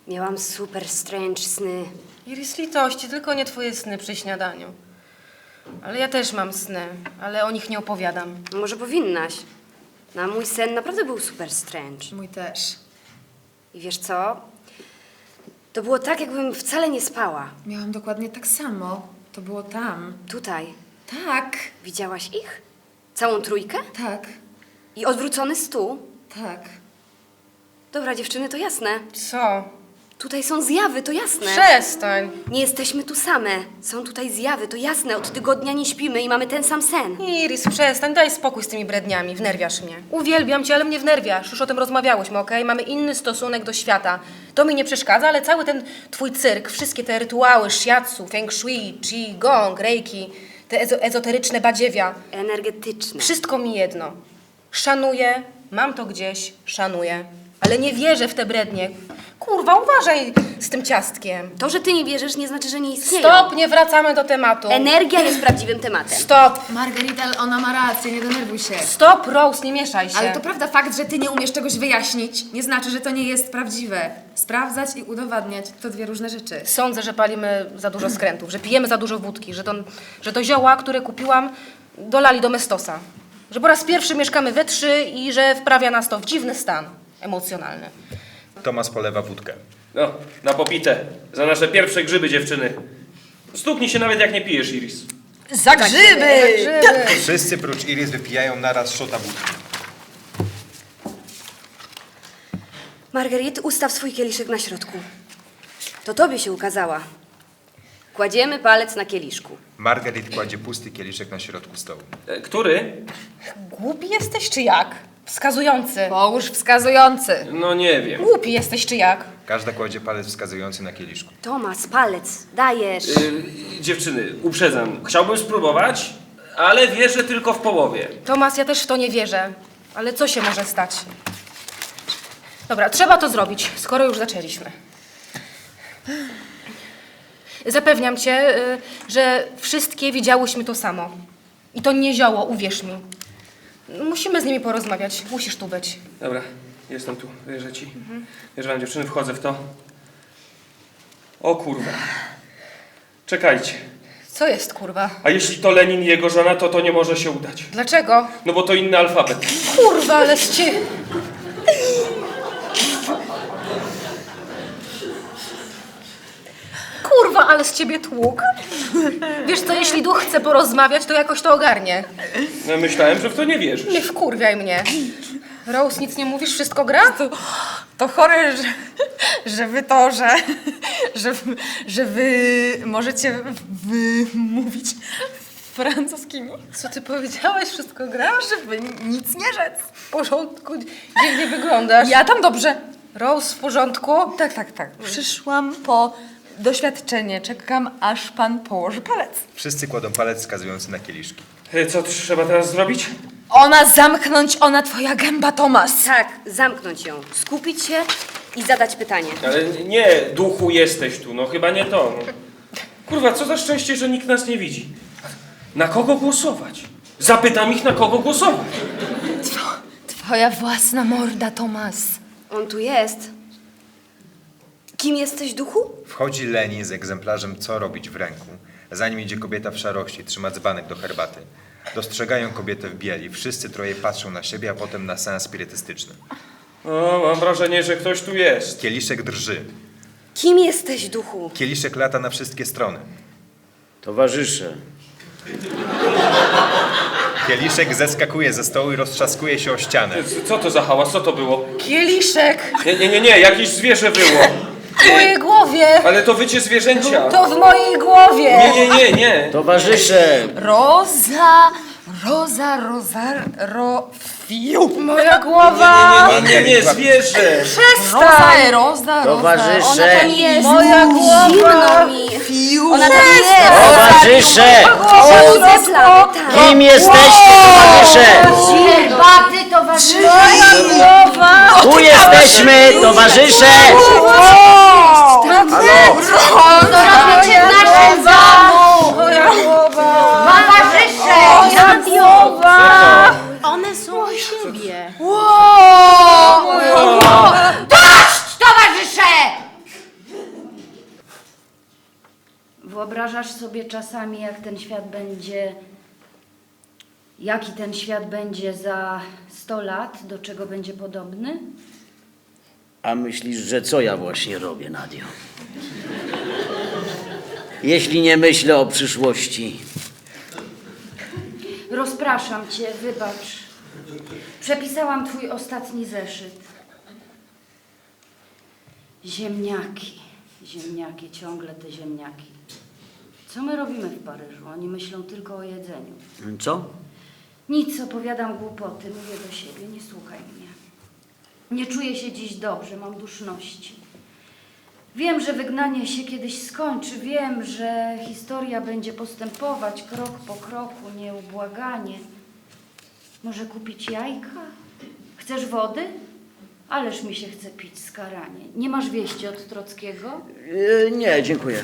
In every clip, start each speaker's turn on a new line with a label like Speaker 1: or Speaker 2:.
Speaker 1: Miałam super strange sny.
Speaker 2: Iris, litości, tylko nie twoje sny przy śniadaniu. Ale ja też mam sny, ale o nich nie opowiadam.
Speaker 1: Może powinnaś. No, a mój sen naprawdę był super strange.
Speaker 3: Mój też.
Speaker 1: I wiesz co? To było tak, jakbym wcale nie spała.
Speaker 3: Miałam dokładnie tak samo. To było tam.
Speaker 1: Tutaj.
Speaker 3: Tak.
Speaker 1: Widziałaś ich? Całą trójkę?
Speaker 3: Tak.
Speaker 1: I odwrócony stół?
Speaker 3: Tak.
Speaker 1: Dobra, dziewczyny, to jasne.
Speaker 2: Co?
Speaker 1: Tutaj są zjawy, to jasne.
Speaker 2: Przestań.
Speaker 1: Nie jesteśmy tu same. Są tutaj zjawy, to jasne. Od tygodnia nie śpimy i mamy ten sam sen.
Speaker 2: Iris, przestań, daj spokój z tymi bredniami, wnerwiasz mnie. Uwielbiam cię, ale mnie wnerwiasz. Już o tym rozmawiałyśmy, okej? Mamy inny stosunek do świata. To mi nie przeszkadza, ale cały ten twój cyrk, wszystkie te rytuały, shiatsu, feng shui, qi, gong, reiki, te ezoteryczne badziewia,
Speaker 1: Energetyczne.
Speaker 2: wszystko mi jedno. Szanuję, mam to gdzieś, szanuję, ale nie wierzę w te brednie. Kurwa, uważaj z tym ciastkiem.
Speaker 1: To, że ty nie wierzysz, nie znaczy, że nie istnieją.
Speaker 2: Stop, nie wracamy do tematu.
Speaker 1: Energia jest prawdziwym tematem.
Speaker 2: Stop,
Speaker 3: Margarita, ona ma rację, nie denerwuj się.
Speaker 2: stop, Rose, nie mieszaj się.
Speaker 3: Ale to prawda, fakt, że ty nie umiesz czegoś wyjaśnić, nie znaczy, że to nie jest prawdziwe. Sprawdzać i udowadniać to dwie różne rzeczy.
Speaker 2: Sądzę, że palimy za dużo skrętów, że pijemy za dużo wódki, że to zioła, które kupiłam, dolali do Mestosa. Że po raz pierwszy mieszkamy we trzy i że wprawia nas to w dziwny stan emocjonalny.
Speaker 4: Tomasz polewa wódkę.
Speaker 5: No, na popite. Za nasze pierwsze grzyby, dziewczyny. Stuknij się nawet jak nie pijesz, Iris.
Speaker 3: Za grzyby!
Speaker 4: Wszyscy prócz Iris wypijają naraz szota wódki.
Speaker 1: Margarit, ustaw swój kieliszek na środku. To tobie się ukazała. Kładziemy palec na kieliszku.
Speaker 4: Margaret kładzie pusty kieliszek na środku stołu.
Speaker 5: Który?
Speaker 2: Głupi jesteś czy jak? Wskazujący.
Speaker 3: Połóż wskazujący.
Speaker 5: No nie wiem.
Speaker 2: Głupi jesteś czy jak?
Speaker 4: Każda kładzie palec wskazujący na kieliszku.
Speaker 1: Tomas, palec, dajesz.
Speaker 5: Dziewczyny, uprzedzam. Chciałbym spróbować, ale wierzę tylko w połowie.
Speaker 2: Tomas, ja też w to nie wierzę. Ale co się może stać? Dobra, trzeba to zrobić, skoro już zaczęliśmy. Zapewniam cię, że wszystkie widziałyśmy to samo. I to nie zioło, uwierz mi. Musimy z nimi porozmawiać. Musisz tu być.
Speaker 5: Dobra, jestem tu. Wierzę ci. Wierzę wam, dziewczyny, wchodzę w to. O kurwa. Czekajcie.
Speaker 2: Co jest, kurwa?
Speaker 5: A jeśli to Lenin i jego żona, to nie może się udać.
Speaker 2: Dlaczego?
Speaker 5: No bo to inny alfabet.
Speaker 2: Kurwa, ale z ciebie... Kurwa, ale z ciebie tłuk. Wiesz co, jeśli duch chce porozmawiać, to jakoś to ogarnie.
Speaker 5: No, myślałem, że w to nie wierzysz.
Speaker 2: Nie wkurwiaj mnie. Rose, nic nie mówisz? Wszystko gra?
Speaker 3: To chore, że wy to, że wy możecie mówić francuskimi.
Speaker 2: Co ty powiedziałeś? Wszystko gra?
Speaker 3: Żeby nic nie rzec.
Speaker 2: W porządku? Dziwnie wyglądasz.
Speaker 3: Ja tam dobrze.
Speaker 2: Rose, w porządku?
Speaker 3: Tak. Przyszłam po doświadczenie. Czekam, aż pan położy palec.
Speaker 4: Wszyscy kładą palec wskazujący na kieliszki.
Speaker 5: Co trzeba teraz zrobić?
Speaker 3: Ona zamknąć, ona twoja gęba, Tomas.
Speaker 1: Tak, zamknąć ją, skupić się i zadać pytanie.
Speaker 5: Ale nie, duchu, jesteś tu. No chyba nie to. No. Kurwa, co za szczęście, że nikt nas nie widzi. Na kogo głosować? Zapytam ich, na kogo głosować.
Speaker 3: Twoja własna morda, Tomas.
Speaker 1: On tu jest. Kim jesteś, duchu?
Speaker 4: Wchodzi Lenin z egzemplarzem Co robić w ręku. Za nim idzie kobieta w szarości, trzyma dzbanek do herbaty. Dostrzegają kobietę w bieli. Wszyscy troje patrzą na siebie, a potem na seans spirytystyczny.
Speaker 5: O, mam wrażenie, że ktoś tu jest.
Speaker 4: Kieliszek drży.
Speaker 1: Kim jesteś, duchu?
Speaker 4: Kieliszek lata na wszystkie strony.
Speaker 6: Towarzysze,
Speaker 4: Kieliszek zeskakuje ze stołu i roztrzaskuje się o ścianę.
Speaker 5: Co to za hałas? Co to było?
Speaker 2: Kieliszek!
Speaker 5: Nie, jakieś zwierzę było.
Speaker 2: W mojej głowie!
Speaker 5: Ale to wycie zwierzęcia.
Speaker 2: To w mojej głowie!
Speaker 5: Nie.
Speaker 6: towarzysze,
Speaker 3: Fiu.
Speaker 2: Moja głowa!
Speaker 5: Nie, zwierzę.
Speaker 2: Przestań!
Speaker 6: towarzysze,
Speaker 2: Moja głowa!
Speaker 1: Zimno mi.
Speaker 3: Fiu.
Speaker 1: Ona tam jest.
Speaker 6: towarzysze!
Speaker 1: Widzę plamy, tak.
Speaker 6: Kim jesteście, towarzysze?
Speaker 7: Herbaty, towarzysze!
Speaker 2: Moja głowa!
Speaker 6: Tu jesteśmy, towarzysze!
Speaker 7: Co robicie w naszym domu?
Speaker 2: Moja głowa!
Speaker 7: Towarzysze!
Speaker 2: Moja głowa!
Speaker 7: One są u siebie.
Speaker 3: Wow.
Speaker 7: Dość, towarzysze! czasami, jaki ten świat będzie za 100 lat, do czego będzie podobny?
Speaker 6: A myślisz, że co ja właśnie robię, Nadio? Jeśli nie myślę o przyszłości.
Speaker 7: Rozpraszam cię, wybacz. Przepisałam twój ostatni zeszyt. Ziemniaki, ziemniaki, ciągle te ziemniaki. Co my robimy w Paryżu? Oni myślą tylko o jedzeniu.
Speaker 6: Co?
Speaker 7: Nic, opowiadam głupoty, mówię do siebie, nie słuchaj mnie. Nie czuję się dziś dobrze, mam duszności. Wiem, że wygnanie się kiedyś skończy, wiem, że historia będzie postępować krok po kroku, nieubłaganie. Może kupić jajka? Chcesz wody? Ależ mi się chce pić skaranie. Nie masz wieści od Trockiego?
Speaker 6: Nie, dziękuję.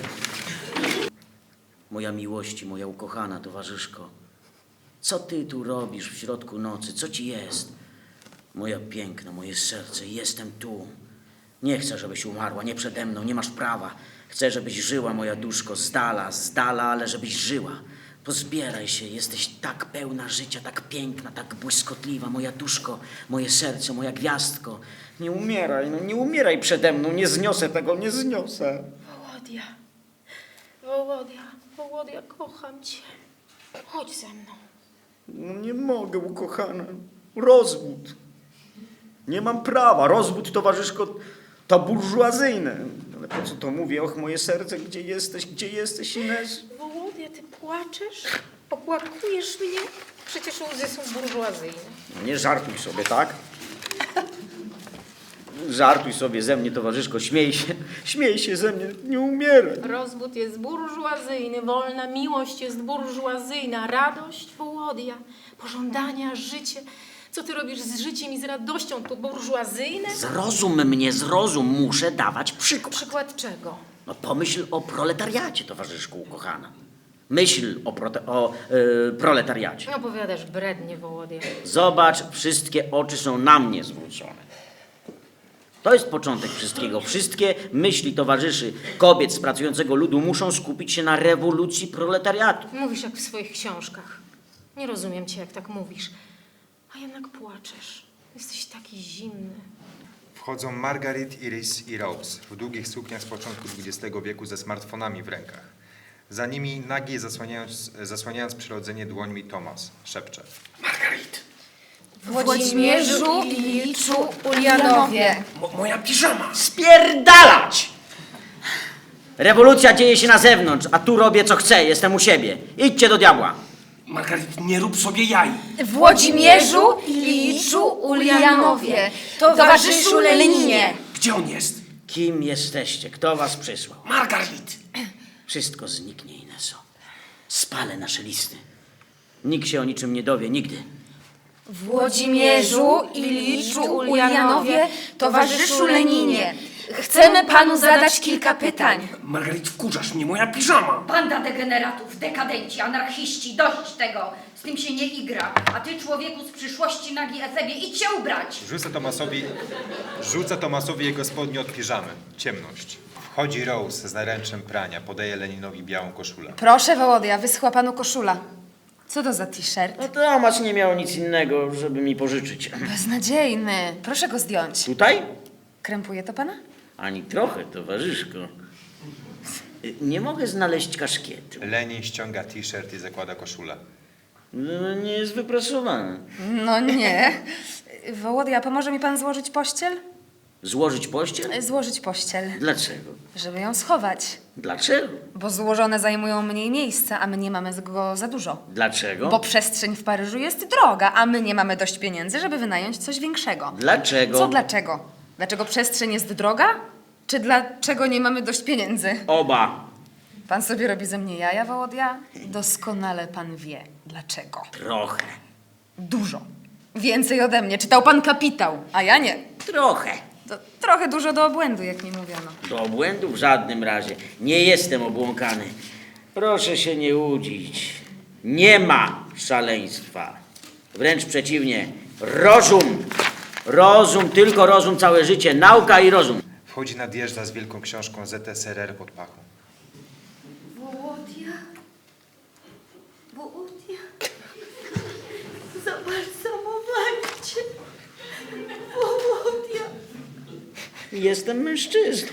Speaker 6: Moja miłości, moja ukochana towarzyszko. Co ty tu robisz w środku nocy? Co ci jest? Moja piękna, moje serce, jestem tu. Nie chcę, żebyś umarła, nie przede mną, nie masz prawa. Chcę, żebyś żyła, moja duszko, z dala, ale żebyś żyła. Pozbieraj się, jesteś tak pełna życia, tak piękna, tak błyskotliwa, moja duszko, moje serce, moja gwiazdko. Nie umieraj, no nie umieraj przede mną, nie zniosę tego, nie zniosę.
Speaker 2: Wołodia, kocham cię. Chodź ze mną.
Speaker 6: No nie mogę, ukochana. Rozwód. Nie mam prawa. Rozwód, towarzyszko, to burżuazyjne. Ale po co to mówię? Och, moje serce, gdzie jesteś, Ines?
Speaker 2: Wołodia, ty płaczesz? Opłakujesz mnie? Przecież łzy są burżuazyjne.
Speaker 6: No nie żartuj sobie, tak? Żartuj sobie ze mnie, towarzyszko, śmiej się ze mnie, nie umieraj.
Speaker 2: Rozwód jest burżuazyjny, wolna miłość jest burżuazyjna, radość, Wołodia, pożądania, życie. Co ty robisz z życiem i z radością? To burżuazyjne?
Speaker 6: Zrozum mnie, zrozum, muszę dawać przykład.
Speaker 2: Przykład czego?
Speaker 6: No pomyśl o proletariacie, towarzyszku, ukochana. Myśl o proletariacie.
Speaker 2: Opowiadasz brednie, Wołodia. Zobacz,
Speaker 6: Wszystkie oczy są na mnie zwrócone. To jest początek wszystkiego. Wszystkie myśli towarzyszy kobiet z pracującego ludu muszą skupić się na rewolucji proletariatu.
Speaker 2: Mówisz jak w swoich książkach. Nie rozumiem cię, jak tak mówisz. A jednak płaczesz. Jesteś taki zimny.
Speaker 4: Wchodzą Margaret, Iris i Rose w długich sukniach z początku XX wieku ze smartfonami w rękach. Za nimi nagi zasłaniając przyrodzenie dłońmi Tomas szepcze.
Speaker 5: Margarit,
Speaker 3: Włodzimierzu, Iliczu, Ulianowie.
Speaker 5: moja piżama.
Speaker 6: Spierdalać! Rewolucja dzieje się na zewnątrz, a tu robię co chcę, jestem u siebie. Idźcie do diabła.
Speaker 5: Margarit, nie rób sobie jaj.
Speaker 3: Włodzimierzu, Iliczu, Ulianowie. Towarzyszu Leninie.
Speaker 5: Gdzie on jest?
Speaker 6: Kim jesteście? Kto was przysłał?
Speaker 5: Margarit.
Speaker 6: Wszystko zniknie, Ineso. Spalę nasze listy. Nikt się o niczym nie dowie, nigdy.
Speaker 3: Włodzimierzu, Iliczu, Ulianowie, towarzyszu Leninie. Chcemy panu zadać kilka pytań.
Speaker 5: Margarit, wkurzasz mnie, moja piżama.
Speaker 7: Banda degeneratów, dekadenci, anarchiści, dość tego. Z tym się nie igra. A ty, człowieku z przyszłości, nagi Ezebie, idź się ubrać.
Speaker 4: Rzuca Tomasowi jego spodnie od piżamy. Ciemność. Wchodzi Rose z naręczem prania, podaje Leninowi białą koszulę.
Speaker 3: Proszę, Wołodia, wyschła panu koszula. Co to za t-shirt?
Speaker 6: No Tomasz nie miał nic innego, żeby mi pożyczyć.
Speaker 3: Beznadziejny. Proszę go zdjąć.
Speaker 6: Tutaj?
Speaker 3: Krępuje to pana?
Speaker 6: Ani trochę, towarzyszko. Nie mogę znaleźć kaszkietu.
Speaker 4: Lenin ściąga t-shirt i zakłada koszulę.
Speaker 6: No, nie jest wyprasowana.
Speaker 3: No nie. Wołodia, pomoże mi pan złożyć pościel?
Speaker 6: Złożyć pościel?
Speaker 3: Złożyć pościel,
Speaker 6: Dlaczego?
Speaker 3: żeby ją schować.
Speaker 6: Dlaczego?
Speaker 3: Bo złożone zajmują mniej miejsca, a my nie mamy go za dużo.
Speaker 6: Dlaczego?
Speaker 3: Bo przestrzeń w Paryżu jest droga, a my nie mamy dość pieniędzy, żeby wynająć coś większego.
Speaker 6: Dlaczego?
Speaker 3: Co dlaczego? Dlaczego przestrzeń jest droga? Czy dlaczego nie mamy dość pieniędzy?
Speaker 6: Oba.
Speaker 3: Pan sobie robi ze mnie jaja, Wołodia? Doskonale pan wie. Dlaczego?
Speaker 6: Trochę.
Speaker 3: Dużo. Więcej ode mnie. Czytał pan Kapitał, a ja nie.
Speaker 6: Trochę.
Speaker 3: To trochę dużo do obłędu, jak mi mówiono.
Speaker 6: Do obłędu w żadnym razie. Nie jestem obłąkany. Proszę się nie łudzić. Nie ma szaleństwa. Wręcz przeciwnie. Rozum. Rozum, tylko rozum całe życie. Nauka i rozum.
Speaker 4: Wchodzi nadjeżdża z wielką książką ZSRR pod pachą.
Speaker 7: Wołodia,
Speaker 6: Jestem mężczyzną.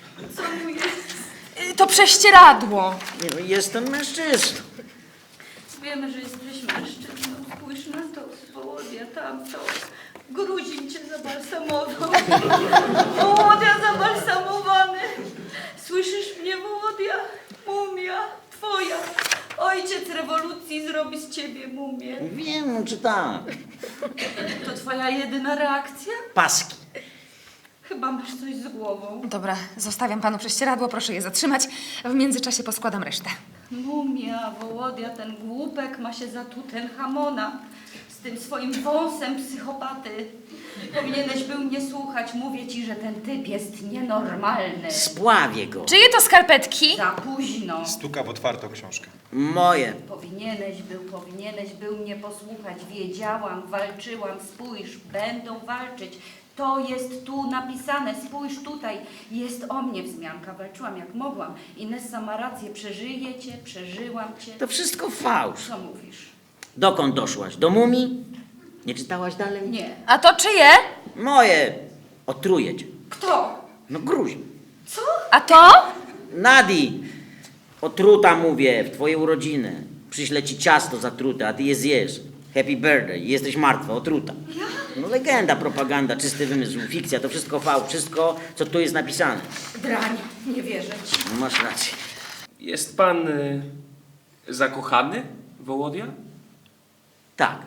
Speaker 3: To prześcieradło.
Speaker 6: Nie, no, jestem mężczyzną.
Speaker 7: Wiemy, że jesteś mężczyzną. Spójrz na to, Wołodia, tamto. Gruzin cię zabalsamował. Wołodia zabalsamowany. Słyszysz mnie, Wołodia? Mumia twoja. Ojciec rewolucji zrobi z ciebie mumię.
Speaker 6: Wiem, czy tak.
Speaker 7: To twoja jedyna reakcja?
Speaker 6: Paski.
Speaker 7: Chyba masz coś z głową.
Speaker 3: Dobra, zostawiam panu prześcieradło, proszę je zatrzymać. W międzyczasie poskładam resztę.
Speaker 7: Mumia, Wołodia, ten głupek ma się za Tutenhamona. Z tym swoim wąsem psychopaty. Powinieneś był mnie słuchać. Mówię ci, że ten typ jest nienormalny.
Speaker 6: Spławię go.
Speaker 3: Czyje to skarpetki?
Speaker 7: Za późno.
Speaker 4: Stuka w otwartą książkę.
Speaker 6: Moje.
Speaker 7: Powinieneś był mnie posłuchać. Wiedziałam, walczyłam. Spójrz, będą walczyć. To jest tu napisane. Spójrz tutaj. Jest o mnie wzmianka. Walczyłam jak mogłam. Inessa ma rację. Przeżyję cię, przeżyłam cię.
Speaker 6: To wszystko fałsz.
Speaker 7: Co mówisz?
Speaker 6: Dokąd doszłaś? Do mumii? Nie czytałaś dalej?
Speaker 7: Nie.
Speaker 3: A to czyje?
Speaker 6: Moje. Otruję cię.
Speaker 7: Kto?
Speaker 6: No gruźb.
Speaker 7: Co?
Speaker 3: A to?
Speaker 6: Nadi. Otruta mówię, w twoje urodziny. Przyślę ci ciasto zatrute, a ty je zjesz. Happy birthday. Jesteś martwa, otruta. No legenda, propaganda, czysty wymysł, fikcja, to wszystko fałsz. Wszystko, co tu jest napisane.
Speaker 7: Drań. Nie wierzę ci.
Speaker 6: No masz rację.
Speaker 5: Jest pan zakochany, Wołodia?
Speaker 6: Tak.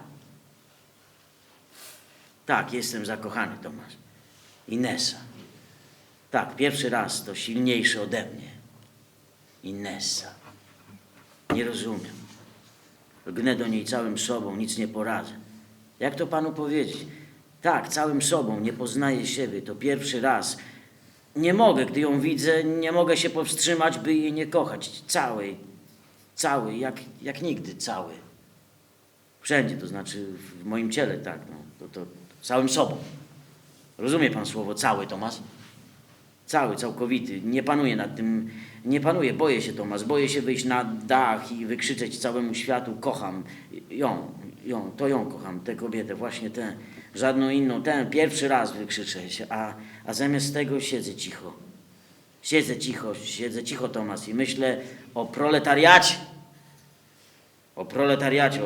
Speaker 6: Tak, jestem zakochany, Tomasz. Inessa. Tak, pierwszy raz to silniejszy ode mnie. Inessa. Nie rozumiem. Gnę do niej całym sobą, nic nie poradzę. Jak to panu powiedzieć? Tak, całym sobą, nie poznaję siebie. To pierwszy raz. Nie mogę, gdy ją widzę, nie mogę się powstrzymać, by jej nie kochać. Cały, jak nigdy cały. Wszędzie, to znaczy w moim ciele, tak, no, to całym sobą. Rozumie pan słowo cały, Tomasz? Cały, całkowity. Nie panuję nad tym, nie panuję, boję się, Tomasz, boję się wyjść na dach i wykrzyczeć całemu światu, kocham ją kocham, tę kobietę, właśnie tę, żadną inną, tę, pierwszy raz wykrzyczę się, a zamiast tego siedzę cicho. Siedzę cicho, Tomasz, i myślę o proletariacie. O proletariacie,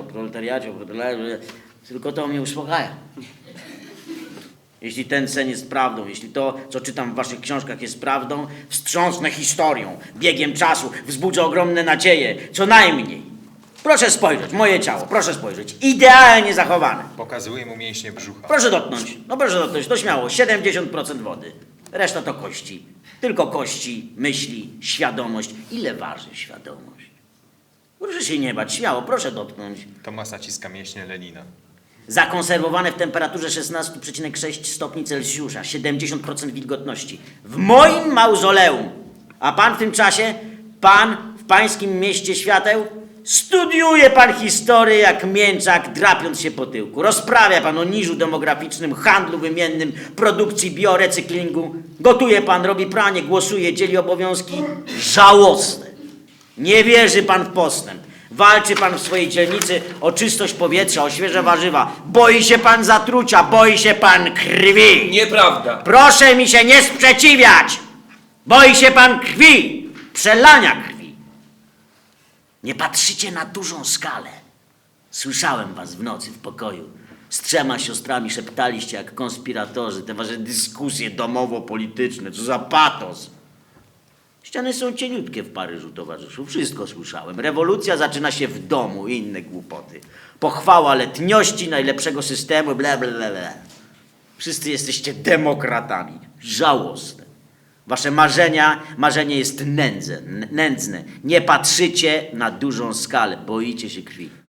Speaker 6: tylko to mnie uspokaja. Jeśli ten sen jest prawdą, jeśli to, co czytam w waszych książkach jest prawdą, wstrząsnę historią, biegiem czasu, wzbudzę ogromne nadzieje, co najmniej. Proszę spojrzeć, moje ciało, proszę spojrzeć, idealnie zachowane.
Speaker 4: Pokazuje mu mięśnie brzucha.
Speaker 6: Proszę dotknąć, to śmiało, 70% wody. Reszta to kości. Tylko kości, myśli, świadomość. Ile waży świadomość? Proszę się nie bać, śmiało, proszę dotknąć.
Speaker 4: Tomasz naciska mięśnie Lenina.
Speaker 6: Zakonserwowane w temperaturze 16,6 stopni Celsjusza, 70% wilgotności. W moim mauzoleum. A pan w tym czasie, w pańskim mieście świateł, studiuje pan historię jak mięczak, drapiąc się po tyłku. Rozprawia pan o niżu demograficznym, handlu wymiennym, produkcji biorecyklingu. Gotuje pan, robi pranie, głosuje, dzieli obowiązki. Żałosne. Nie wierzy pan w postęp. Walczy pan w swojej dzielnicy o czystość powietrza, o świeże warzywa. Boi się pan zatrucia, boi się pan krwi.
Speaker 5: Nieprawda.
Speaker 6: Proszę mi się nie sprzeciwiać. Boi się pan krwi, przelania krwi. Nie patrzycie na dużą skalę. Słyszałem was w nocy w pokoju. Z 3 siostrami szeptaliście jak konspiratorzy te wasze dyskusje domowo-polityczne. Co za patos. Ściany są cieniutkie w Paryżu, towarzyszu. Wszystko słyszałem. Rewolucja zaczyna się w domu i inne głupoty. Pochwała letniości, najlepszego systemu, bla, bla, bla, bla. Wszyscy jesteście demokratami. Żałosne. Wasze marzenie jest nędzne. Nie patrzycie na dużą skalę. Boicie się krwi.